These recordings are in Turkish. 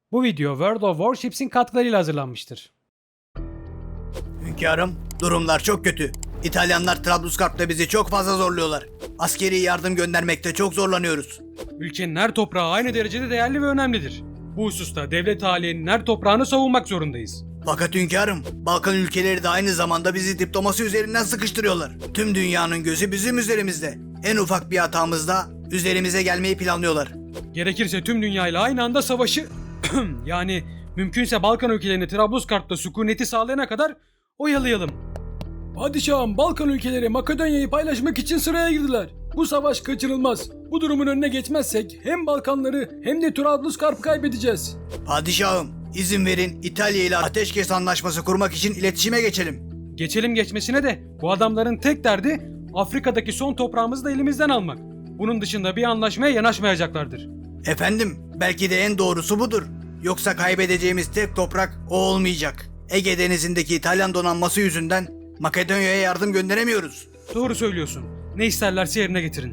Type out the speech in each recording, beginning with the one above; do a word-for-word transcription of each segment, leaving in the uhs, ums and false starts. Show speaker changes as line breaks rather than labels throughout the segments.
Bu video World of Warships'in katkılarıyla hazırlanmıştır.
Hünkârım, durumlar çok kötü. İtalyanlar Trablusgarp'ta bizi çok fazla zorluyorlar. Askeri yardım göndermekte çok zorlanıyoruz.
Ülkenin her toprağı aynı derecede değerli ve önemlidir. Bu hususta devlet halinin her toprağını savunmak zorundayız.
Fakat hünkârım, Balkan ülkeleri de aynı zamanda bizi diplomasi üzerinden sıkıştırıyorlar. Tüm dünyanın gözü bizim üzerimizde. En ufak bir hatamızda üzerimize gelmeyi planlıyorlar.
Gerekirse tüm dünyayla aynı anda savaşı yani mümkünse Balkan ülkelerini Trablusgarp'ta sükuneti sağlayana kadar oyalayalım.
Padişahım, Balkan ülkeleri Makedonya'yı paylaşmak için sıraya girdiler. Bu savaş kaçınılmaz. Bu durumun önüne geçmezsek hem Balkanları hem de Trablusgarp'ı kaybedeceğiz.
Padişahım, izin verin İtalya ile ateşkes anlaşması kurmak için iletişime geçelim.
Geçelim geçmesine de bu adamların tek derdi Afrika'daki son toprağımızı da elimizden almak. Bunun dışında bir anlaşmaya yanaşmayacaklardır.
Efendim, belki de en doğrusu budur. Yoksa kaybedeceğimiz tek toprak o olmayacak. Ege Denizi'ndeki İtalyan donanması yüzünden Makedonya'ya yardım gönderemiyoruz.
Doğru söylüyorsun. Ne isterlerse yerine getirin.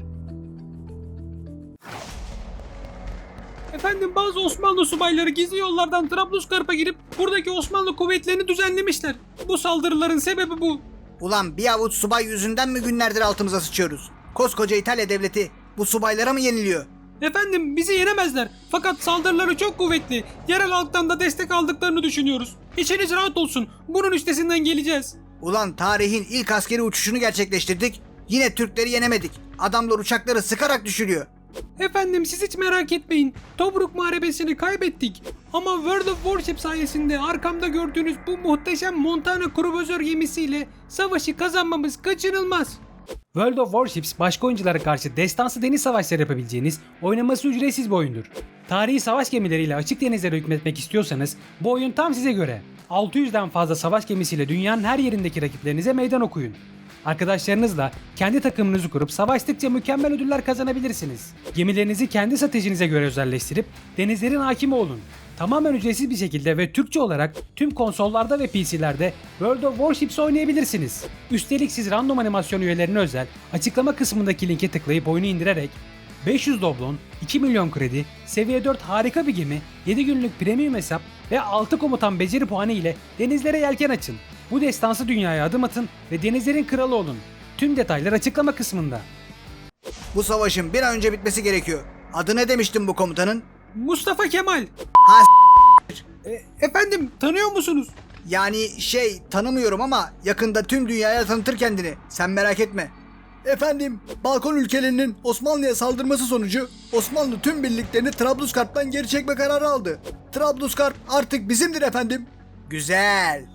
Efendim, bazı Osmanlı subayları gizli yollardan Trablusgarp'a girip buradaki Osmanlı kuvvetlerini düzenlemişler. Bu saldırıların sebebi bu.
Ulan bir avuç subay yüzünden mi günlerdir altımıza sıçıyoruz? Koskoca İtalya devleti bu subaylara mı yeniliyor?
Efendim, bizi yenemezler. Fakat saldırıları çok kuvvetli. Yerel halktan da destek aldıklarını düşünüyoruz. İçiniz rahat olsun. Bunun üstesinden geleceğiz.
Ulan tarihin ilk askeri uçuşunu gerçekleştirdik. Yine Türkleri yenemedik. Adamlar uçakları sıkarak düşürüyor.
Efendim, siz hiç merak etmeyin. Tobruk Muharebesi'ni kaybettik. Ama World of Warship sayesinde arkamda gördüğünüz bu muhteşem Montana kruvazör gemisiyle savaşı kazanmamız kaçınılmaz. World of Warships başka oyunculara karşı destansı deniz savaşları yapabileceğiniz, oynaması ücretsiz bir oyundur. Tarihi savaş gemileriyle açık denizlere hükmetmek istiyorsanız bu oyun tam size göre. altı yüzden fazla savaş gemisiyle dünyanın her yerindeki rakiplerinize meydan okuyun. Arkadaşlarınızla kendi takımınızı kurup savaştıkça mükemmel ödüller kazanabilirsiniz. Gemilerinizi kendi stratejinize göre özelleştirip denizlerin hakimi olun. Tamamen ücretsiz bir şekilde ve Türkçe olarak tüm konsollarda ve P C'lerde World of Warships oynayabilirsiniz. Üstelik siz random animasyon üyelerine özel açıklama kısmındaki linke tıklayıp oyunu indirerek beş yüz doblon, iki milyon kredi, seviye dört harika bir gemi, yedi günlük premium hesap ve altı komutan beceri puanı ile denizlere yelken açın. Bu destansı dünyaya adım atın ve denizlerin kralı olun. Tüm detaylar açıklama kısmında.
Bu savaşın bir an önce bitmesi gerekiyor. Adı ne demiştin bu komutanın?
Mustafa Kemal.
Ha
E, efendim, tanıyor musunuz?
Yani şey tanımıyorum ama yakında tüm dünyaya tanıtır kendini. Sen merak etme. Efendim, Balkan ülkelerinin Osmanlı'ya saldırması sonucu Osmanlı tüm birliklerini Trablusgarp'tan geri çekme kararı aldı. Trablusgarp artık bizimdir efendim. Güzel.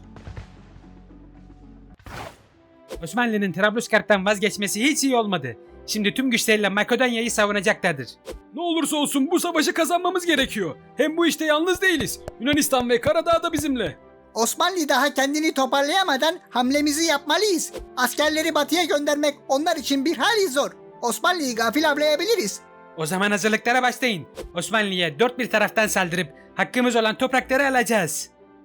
Osmanlı'nın Trablusgarp'tan vazgeçmesi hiç iyi olmadı. Şimdi tüm güçleriyle Makedonya'yı savunacaklardır.
Ne olursa olsun bu savaşı kazanmamız gerekiyor. Hem bu işte yalnız değiliz. Yunanistan ve Karadağ da bizimle.
Osmanlı daha kendini toparlayamadan hamlemizi yapmalıyız. Askerleri batıya göndermek onlar için bir hali zor. Osmanlı'yı gafil avlayabiliriz.
O zaman hazırlıklara başlayın. Osmanlı'ya dört bir taraftan saldırıp hakkımız olan toprakları alacağız.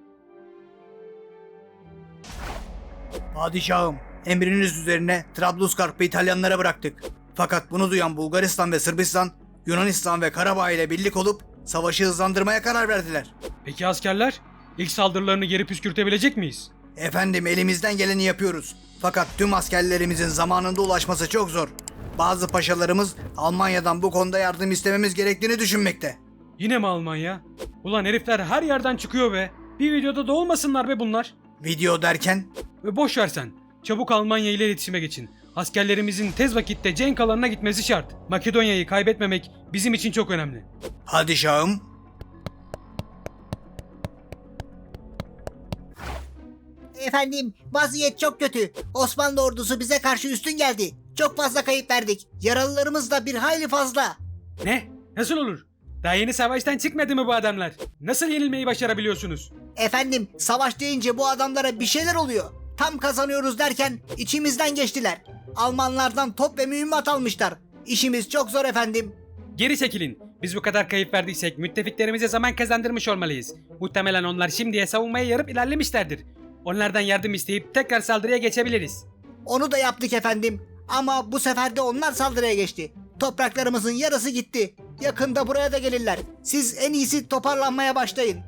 Padişahım, emriniz üzerine Trablusgarp'ı İtalyanlara bıraktık. Fakat bunu duyan Bulgaristan ve Sırbistan, Yunanistan ve Karabağ ile birlik olup savaşı hızlandırmaya karar verdiler.
Peki askerler? İlk saldırılarını geri püskürtebilecek miyiz?
Efendim, elimizden geleni yapıyoruz. Fakat tüm askerlerimizin zamanında ulaşması çok zor. Bazı paşalarımız Almanya'dan bu konuda yardım istememiz gerektiğini düşünmekte.
Yine mi Almanya? Ulan herifler her yerden çıkıyor be. Bir videoda da olmasınlar be bunlar.
Video derken?
Ve boş ver sen. Çabuk Almanya ile iletişime geçin. Askerlerimizin tez vakitte cenk alanına gitmesi şart. Makedonya'yı kaybetmemek bizim için çok önemli.
Padişahım.
Efendim, vaziyet çok kötü. Osmanlı ordusu bize karşı üstün geldi. Çok fazla kayıp verdik. Yaralılarımız da bir hayli fazla.
Ne? Nasıl olur? Daha yeni savaştan çıkmadı mı bu adamlar? Nasıl yenilmeyi başarabiliyorsunuz?
Efendim, savaş deyince bu adamlara bir şeyler oluyor. Tam kazanıyoruz derken içimizden geçtiler. Almanlardan top ve mühimmat almışlar. İşimiz çok zor efendim.
Geri çekilin. Biz bu kadar kayıp verdiysek müttefiklerimize zaman kazandırmış olmalıyız. Muhtemelen onlar şimdiye savunmaya yarıp ilerlemişlerdir. Onlardan yardım isteyip tekrar saldırıya geçebiliriz.
Onu da yaptık efendim. Ama bu sefer de onlar saldırıya geçti. Topraklarımızın yarısı gitti. Yakında buraya da gelirler. Siz en iyisi toparlanmaya başlayın.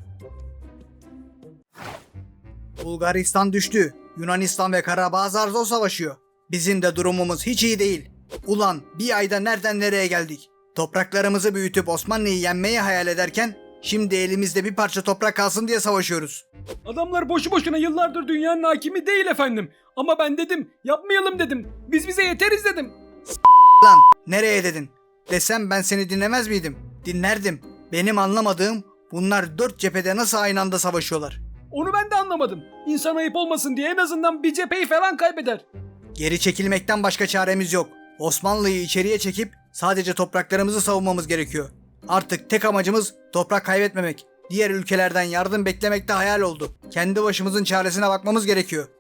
Bulgaristan düştü. Yunanistan ve Karabağ zar zor savaşıyor. Bizim de durumumuz hiç iyi değil. Ulan bir ayda nereden nereye geldik? Topraklarımızı büyütüp Osmanlı'yı yenmeyi hayal ederken şimdi elimizde bir parça toprak kalsın diye savaşıyoruz.
Adamlar boşu boşuna yıllardır dünyanın hakimi değil efendim. Ama ben dedim, yapmayalım dedim. Biz bize yeteriz dedim.
Lan nereye dedin? Desem ben seni dinlemez miydim? Dinlerdim. Benim anlamadığım bunlar dört cephede nasıl aynı anda savaşıyorlar?
Onu ben de anlamadım. İnsan ayıp olmasın diye en azından bir cepheyi falan kaybeder.
Geri çekilmekten başka çaremiz yok. Osmanlı'yı içeriye çekip sadece topraklarımızı savunmamız gerekiyor. Artık tek amacımız toprak kaybetmemek. Diğer ülkelerden yardım beklemek de hayal oldu. Kendi başımızın çaresine bakmamız gerekiyor.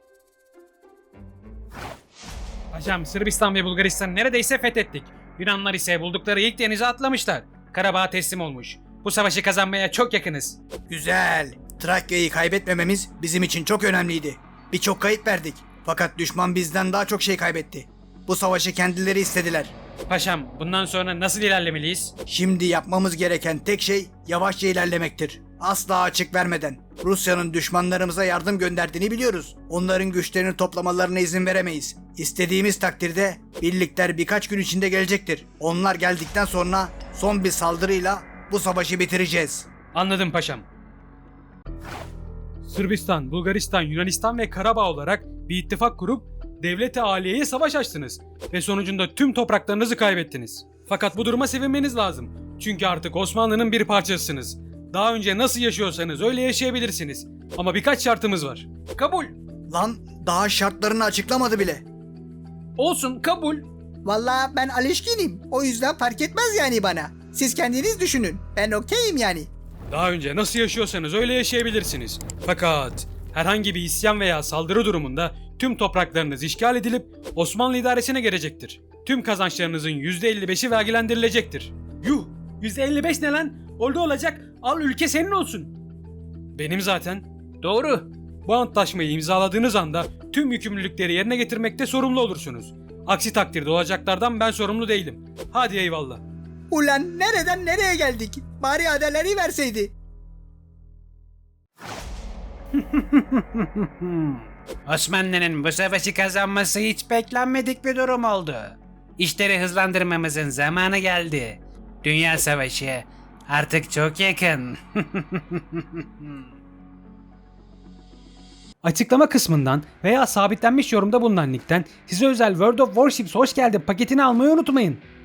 Paşam, Sırbistan ve Bulgaristan neredeyse fethettik. Yunanlar ise buldukları ilk denize atlamışlar. Karabağ teslim olmuş. Bu savaşı kazanmaya çok yakınız.
Güzel. Trakya'yı kaybetmememiz bizim için çok önemliydi. Birçok kayıp verdik. Fakat düşman bizden daha çok şey kaybetti. Bu savaşı kendileri istediler.
Paşam, bundan sonra nasıl ilerlemeliyiz?
Şimdi yapmamız gereken tek şey yavaşça ilerlemektir. Asla açık vermeden. Rusya'nın düşmanlarımıza yardım gönderdiğini biliyoruz. Onların güçlerini toplamalarına izin veremeyiz. İstediğimiz takdirde birlikler birkaç gün içinde gelecektir. Onlar geldikten sonra son bir saldırıyla bu savaşı bitireceğiz.
Anladım paşam. Sırbistan, Bulgaristan, Yunanistan ve Karabağ olarak bir ittifak kurup devlet-i aliyeye savaş açtınız ve sonucunda tüm topraklarınızı kaybettiniz. Fakat bu duruma sevinmeniz lazım. Çünkü artık Osmanlı'nın bir parçasısınız. Daha önce nasıl yaşıyorsanız öyle yaşayabilirsiniz. Ama birkaç şartımız var. Kabul.
Lan daha şartlarını açıklamadı bile.
Olsun, kabul.
Vallahi ben alışkınım. O yüzden fark etmez yani bana. Siz kendiniz düşünün. Ben okeyim yani.
Daha önce nasıl yaşıyorsanız öyle yaşayabilirsiniz. Fakat herhangi bir isyan veya saldırı durumunda tüm topraklarınız işgal edilip Osmanlı idaresine gelecektir. Tüm kazançlarınızın yüzde elli beşi vergilendirilecektir. Yuh! yüzde elli beş ne lan? Oldu olacak. Al, ülke senin olsun. Benim zaten. Doğru. Bu antlaşmayı imzaladığınız anda tüm yükümlülükleri yerine getirmekte sorumlu olursunuz. Aksi takdirde olacaklardan ben sorumlu değilim. Hadi eyvallah.
Ulan nereden nereye geldik? Bari adaları verseydi.
Osmanlı'nın bu savaşı kazanması hiç beklenmedik bir durum oldu. İşleri hızlandırmamızın zamanı geldi. Dünya Savaşı artık çok yakın.
Açıklama kısmından veya sabitlenmiş yorumda bulunan linkten size özel World of Warships hoş geldin paketini almayı unutmayın.